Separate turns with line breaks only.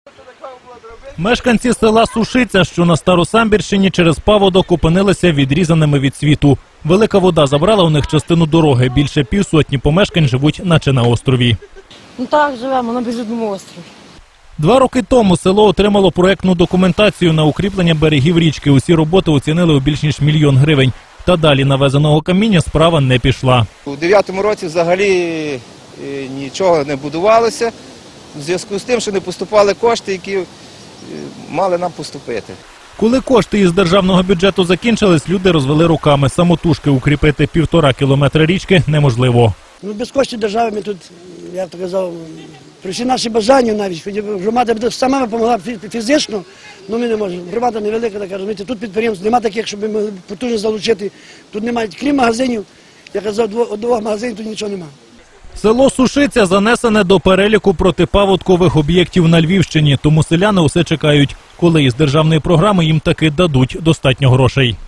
Мешканці села Сушиця, що на Старосамбірщині, через паводок опинилися відрізаними від світу. Велика вода забрала у них частину дороги. Більше півсотні помешкань живуть наче на острові.
Ну так, живемо на безлюдному острові.
2 роки тому село отримало проектну документацію на укріплення берегів річки. Усі роботи оцінили у більш ніж 1 мільйон гривень. Та далі навезеного каміння справа не пішла.
У 2009 році взагалі нічого не будувалося, в зв'язку з тим, що не поступали кошти, які мали нам поступити.
Коли кошти із державного бюджету закінчились, люди розвели руками. Самотужки укріпити 1,5 кілометра річки неможливо.
Ну, без коштів держави ми тут, я б так казав, при всі наші бажання навіть, хоч громада сама допомогла фізично, але ми не можемо. Громада невелика, така, розумієте, тут підприємств немає таких, щоб ми могли потужно залучити. Тут немає, крім магазинів, я казав, 2 магазинів, тут нічого немає.
Село Сушиця занесене до переліку протипаводкових об'єктів на Львівщині, тому селяни усе чекають, коли із державної програми їм таки дадуть достатньо грошей.